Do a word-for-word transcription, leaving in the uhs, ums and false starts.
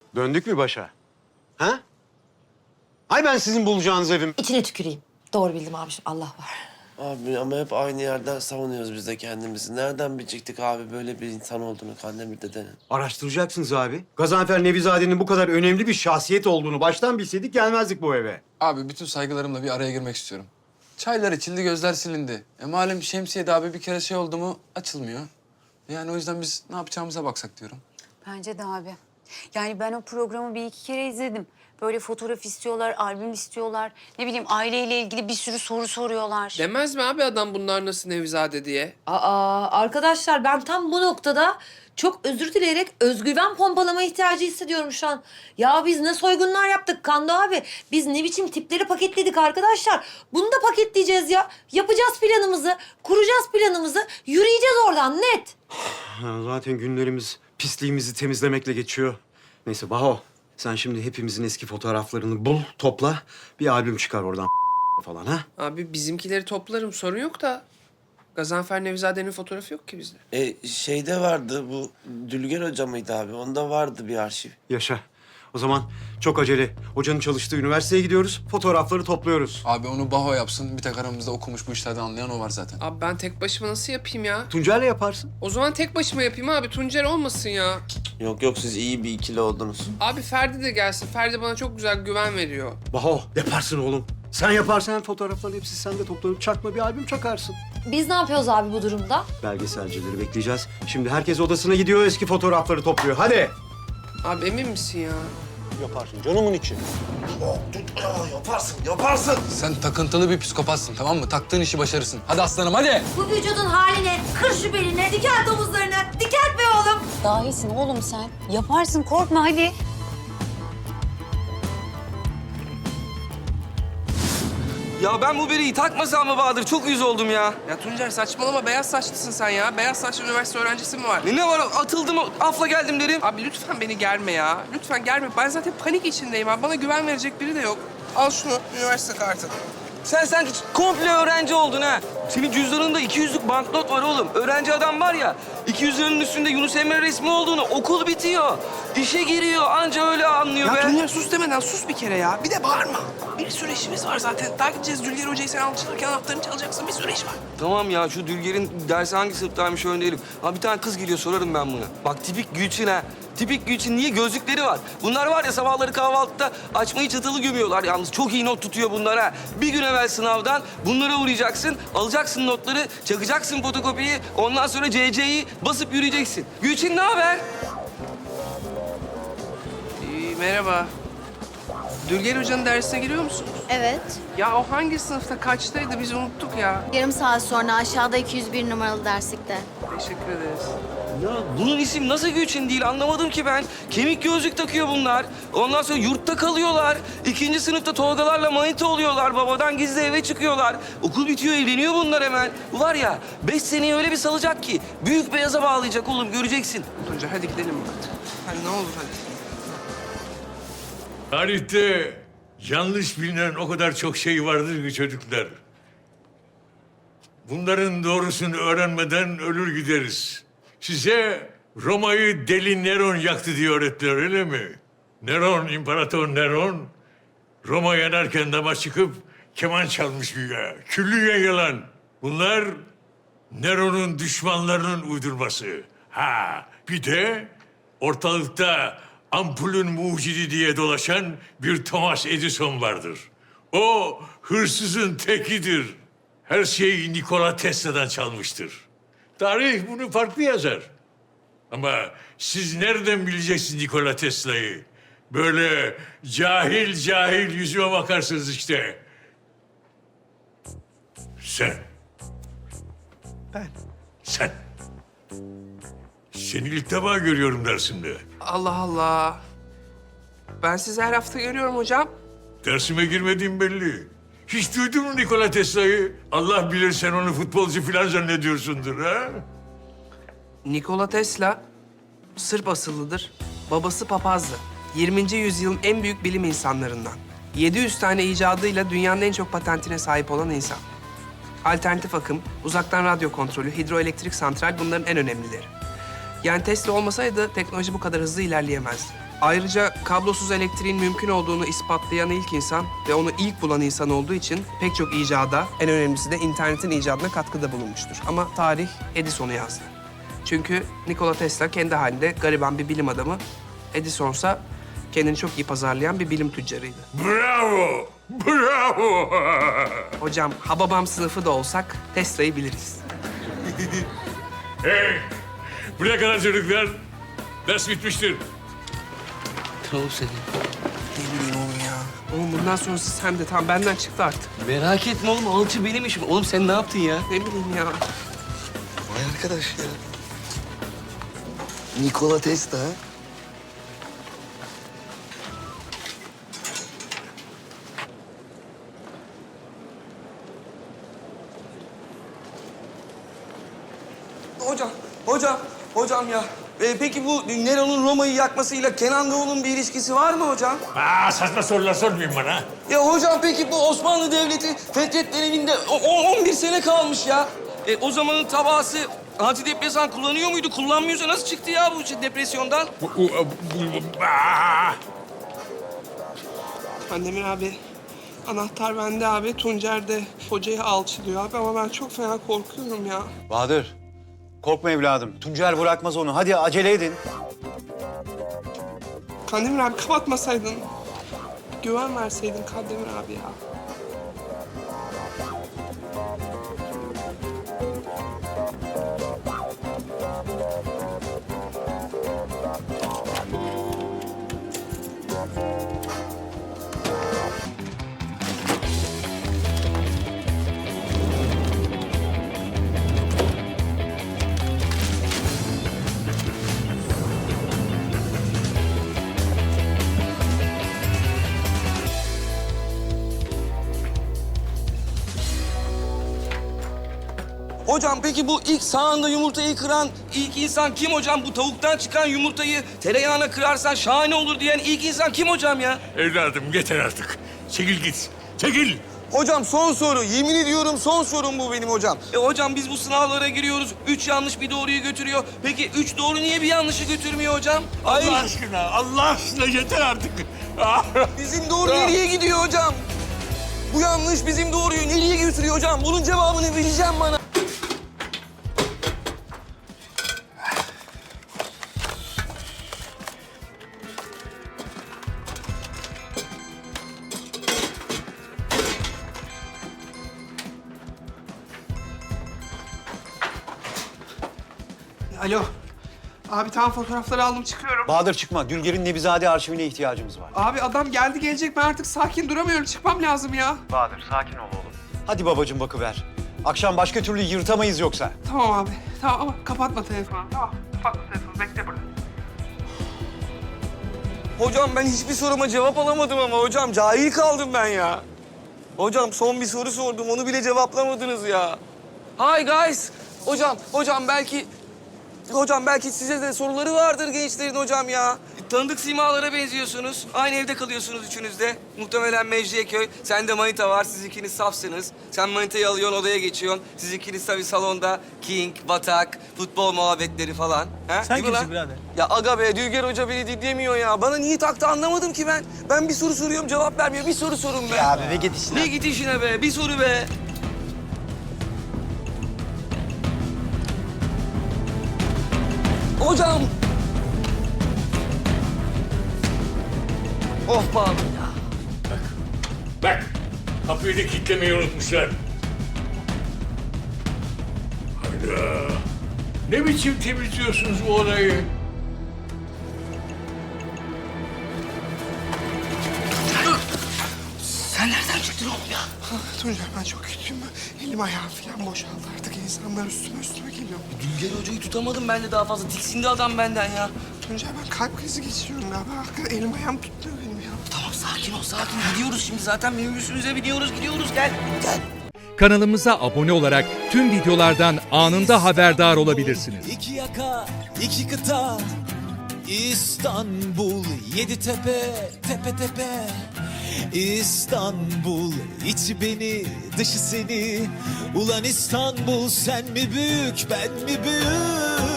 Döndük mü başa? Ha? Ay ben sizin bulacağınız evim. İçine tüküreyim. Doğru bildim abiciğim. Allah var. Abi ama hep aynı yerden savunuyoruz biz de kendimizi. Nereden bilecektik abi böyle bir insan olduğunu Kandemir dedenin? Araştıracaksınız abi. Gazanfer Nevizade'nin bu kadar önemli bir şahsiyet olduğunu baştan bilseydik gelmezdik bu eve. Abi bütün saygılarımla bir araya girmek istiyorum. Çaylar içildi, gözler silindi. E malum Şemsiye'de abi bir kere şey oldu mu açılmıyor. Yani o yüzden biz ne yapacağımıza baksak diyorum. Bence de abi. Yani ben o programı bir iki kere izledim. Böyle fotoğraf istiyorlar, albüm istiyorlar. Ne bileyim aileyle ilgili bir sürü soru soruyorlar. Demez mi abi adam bunlar nasıl Nevizade diye? Aa arkadaşlar ben tam bu noktada çok özür dileyerek özgüven pompalama ihtiyacı hissediyorum şu an. Ya biz ne soygunlar yaptık Kando abi. Biz ne biçim tipleri paketledik arkadaşlar. Bunu da paketleyeceğiz ya. Yapacağız planımızı, kuracağız planımızı, yürüyeceğiz oradan net. Ha, zaten günlerimiz pisliğimizi temizlemekle geçiyor. Neyse Baho, sen şimdi hepimizin eski fotoğraflarını bul, topla. Bir albüm çıkar oradan falan ha. Abi bizimkileri toplarım sorun yok da Gazanfer Nevizade'nin fotoğrafı yok ki bizde. E şeyde vardı bu Dülger Hoca mıydı abi? Onda vardı bir arşiv. Yaşa. O zaman çok acele. Hocanın çalıştığı üniversiteye gidiyoruz, fotoğrafları topluyoruz. Abi onu Baho yapsın. Bir tek aramızda okumuş bu işlerden anlayan o var zaten. Abi ben tek başıma nasıl yapayım ya? Tuncer'le yaparsın. O zaman tek başıma yapayım abi. Tuncer olmasın ya. Yok yok siz iyi bir ikili oldunuz. Abi Ferdi de gelsin. Ferdi bana çok güzel güven veriyor. Baho, yaparsın oğlum. Sen yaparsan fotoğrafların hepsi sende toplanıp çakma bir albüm çakarsın. Biz ne yapıyoruz abi bu durumda? Belgeselcileri bekleyeceğiz. Şimdi herkes odasına gidiyor, eski fotoğrafları topluyor. Hadi. Abi emin misin ya? Yaparsın canımın içi. Yaparsın yaparsın. Sen takıntılı bir psikopatsın tamam mı? Taktığın işi başarırsın. Hadi aslanım hadi. Bu vücudun haline, kır şu beline, diker domuzlarını, diker be oğlum. Dahisin oğlum sen. Yaparsın korkma hadi. Ya ben bu beriyi takmasam mı Bahadır? Çok yüz oldum ya. Ya Tuncer saçmalama. Beyaz saçlısın sen ya. Beyaz saçlı üniversite öğrencisi mi var? Ne, ne var? Atıldım, afla geldim derim. Abi lütfen beni germe ya. Lütfen germe. Ben zaten panik içindeyim abi. Bana güven verecek biri de yok. Al şunu, üniversite kartı. Sen sanki komple öğrenci oldun ha. Senin cüzdanında iki yüzlük banknot var oğlum. Öğrenci adam var ya, iki yüz liranın üstünde Yunus Emre resmi olduğunu okul bitiyor. İşe giriyor, anca öyle anlıyor Ya be. Tuncer sus demeden sus bir kere ya. Bir de bağırma. Bir sürü işimiz var zaten. Daha gideceğiz Dülger Hoca'yı sen alçalırken anahtarını çalacaksın. Bir sürü iş var. Tamam ya, şu Dülger'in dersi hangi sınıftaymış öyle değilim. Ha bir tane kız geliyor, sorarım ben bunu. Bak tipik Gülçin ha. Tipik Gülçin, niye? Gözlükleri var. Bunlar var ya sabahları kahvaltıda açmayı çatılı gömüyorlar yalnız. Çok iyi not tutuyor bunlar ha. Bir gün evvel sınavdan bunlara uğrayacaksın, alacaksın notları, çakacaksın fotokopiyi, ondan sonra C C'yi basıp yürüyeceksin. Gülçin ne haber? İyi, merhaba. Dülger Hoca'nın dersine giriyor musunuz? Evet. Ya o hangi sınıfta kaçtaydı biz unuttuk ya. Yarım saat sonra aşağıda iki yüz bir numaralı derslikte. Teşekkür ederiz. Ya bunun isim nasıl Gülçin değil anlamadım ki ben. Kemik gözlük takıyor bunlar. Ondan sonra yurtta kalıyorlar. İkinci sınıfta Tolgalarla manita oluyorlar. Babadan gizli eve çıkıyorlar. Okul bitiyor, evleniyor bunlar hemen. Bu var ya, beş seneyi öyle bir salacak ki büyük beyaza bağlayacak oğlum, göreceksin. Tuncer hadi gidelim artık. Hadi ne olur hadi. Tarihte yanlış bilinen o kadar çok şey vardır ki çocuklar. Bunların doğrusunu öğrenmeden ölür gideriz. Size Roma'yı deli Neron yaktı diye öğrettiler öyle mi? Neron, İmparator Neron, Roma yanarken dama çıkıp keman çalmış güya. Küllüye yalan. Bunlar Neron'un düşmanlarının uydurması. Ha, bir de ortalıkta ampulün mucidi diye dolaşan bir Thomas Edison vardır. O hırsızın tekidir. Her şeyi Nikola Tesla'dan çalmıştır. Tarih bunu farklı yazar. Ama siz nereden bileceksiniz Nikola Tesla'yı? Böyle cahil cahil yüzüme bakarsınız işte. Sen. Ben. Sen. Seni ilk defa görüyorum dersimde. Allah Allah. Ben sizi her hafta görüyorum hocam. Dersime girmediğim belli. Hiç duydun mu Nikola Tesla'yı? Allah bilir sen onu futbolcu falan zannediyorsundur ha? Nikola Tesla Sırp asıllıdır. Babası papazdı. yirminci yüzyılın en büyük bilim insanlarından. yedi yüz tane icadıyla dünyanın en çok patentine sahip olan insan. Alternatif akım, uzaktan radyo kontrolü, hidroelektrik santral bunların en önemlileri. Yani Tesla olmasaydı teknoloji bu kadar hızlı ilerleyemezdi. Ayrıca kablosuz elektriğin mümkün olduğunu ispatlayan ilk insan ve onu ilk bulan insan olduğu için pek çok icada, en önemlisi de internetin icadına katkıda bulunmuştur. Ama tarih Edison'u yazdı. Çünkü Nikola Tesla kendi halinde gariban bir bilim adamı, Edison'sa kendini çok iyi pazarlayan bir bilim tüccarıydı. Bravo! Bravo! Hocam, Hababam sınıfı da olsak Tesla'yı biliriz. Hey! Buraya kadar çocuklar. Ders bitmiştir. Oğlum seni. Ne bileyim oğlum ya. Oğlum bundan sonrası sen de tam benden çıktı artık. Merak etme oğlum, alçı benim işim. Oğlum sen ne yaptın ya? Ne bileyim ya. Vay arkadaş ya. Nikola Tesla. ha? Hocam, hocam, hocam ya. Ee, peki bu Nero'nun Roma'yı yakmasıyla Kenan Doğulu'nun bir ilişkisi var mı hocam? Aa, saçma sorular sormayın bana. Ya hocam peki bu Osmanlı Devleti Fetret döneminde o- o- on bir sene kalmış ya. E, o zamanın tabası antidepresan kullanıyor muydu? Kullanmıyorsa nasıl çıktı ya bu şey, depresyondan? Bu- bu- bu- Aa! Kandemir abi, anahtar bende abi. Tuncer de hocayı alçılıyor abi ama ben çok fena korkuyorum ya. Bahadır, korkma evladım. Tuncer bırakmaz onu. Hadi acele edin. Kandemir abi kapatmasaydın, güven verseydin Kandemir abi ya. Hocam peki bu ilk sağında yumurtayı kıran ilk insan kim hocam? Bu tavuktan çıkan yumurtayı tereyağına kırarsan şahane olur diyen ilk insan kim hocam ya? Evladım yeter artık. Çekil git. Çekil. Hocam son soru. Yemin ediyorum son sorum bu benim hocam. E hocam biz bu sınavlara giriyoruz. Üç yanlış bir doğruyu götürüyor. Peki üç doğru niye bir yanlışı götürmüyor hocam? Ay, Allah aşkına, Allah aşkına yeter artık. bizim doğru nereye gidiyor hocam? Bu yanlış bizim doğruyu nereye götürüyor hocam? Bunun cevabını vereceğim bana. Alo. Abi tam fotoğrafları aldım çıkıyorum. Bahadır çıkma. Dülger'in Nebizade arşivine ihtiyacımız var. Abi adam geldi gelecek ben artık sakin duramıyorum çıkmam lazım ya. Bahadır sakin ol oğlum. Hadi babacığım bakıver. Akşam başka türlü yırtamayız yoksa. Tamam abi tamam ama kapatma telefonu tamam kapatma telefonu bekle burada. Hocam ben hiçbir soruma cevap alamadım ama hocam cahil kaldım ben ya. Hocam son bir soru sordum onu bile cevaplamadınız ya. Hi guys. Hocam, hocam belki... Hocam belki size de soruları vardır gençlerin hocam ya. Tanıdık simalara benziyorsunuz. Aynı evde kalıyorsunuz üçünüz de. Muhtemelen Mecidiyeköy. Sende manita var, siz ikiniz safsınız. Sen manitayı alıyorsun, odaya geçiyorsun. Siz ikiniz tabii salonda king, batak, futbol muhabbetleri falan. Ha? Sen Değil mi kimsin lan? birader? Ya aga be, Dülger Hoca beni dinlemiyor ya. Bana niye taktı anlamadım ki ben. Ben bir soru soruyorum, cevap vermiyor. Bir soru sorun be. Ya be, git işine. Ne git işine be, bir soru be. Hocam. Of pardon ya. Bak, kapıyı da kilitlemeyi unutmuşlar. Hayda. Ne biçim temizliyorsunuz bu odayı? Sen nereden çıktın oğlum ya? Tuncer ben çok kötüyüm ben. Elim ayağım falan boşaldı artık insanlar üstüme üstüme geliyor. Dülger Hoca'yı tutamadım ben de daha fazla. Tiksindi adam benden ya. Tuncer ben kalp krizi geçiriyorum galiba. Hakikaten elim ayağım tutmuyor benim ya. Tamam sakin ol sakin. Gidiyoruz şimdi zaten minibüsümüze biniyoruz gidiyoruz gel. Gel. Kanalımıza abone olarak tüm videolardan anında haberdar olabilirsiniz. İki yaka, iki kıta, İstanbul, yedi tepe, tepe tepe. İstanbul, içi beni, dışı seni. Ulan İstanbul, sen mi büyük, ben mi büyük?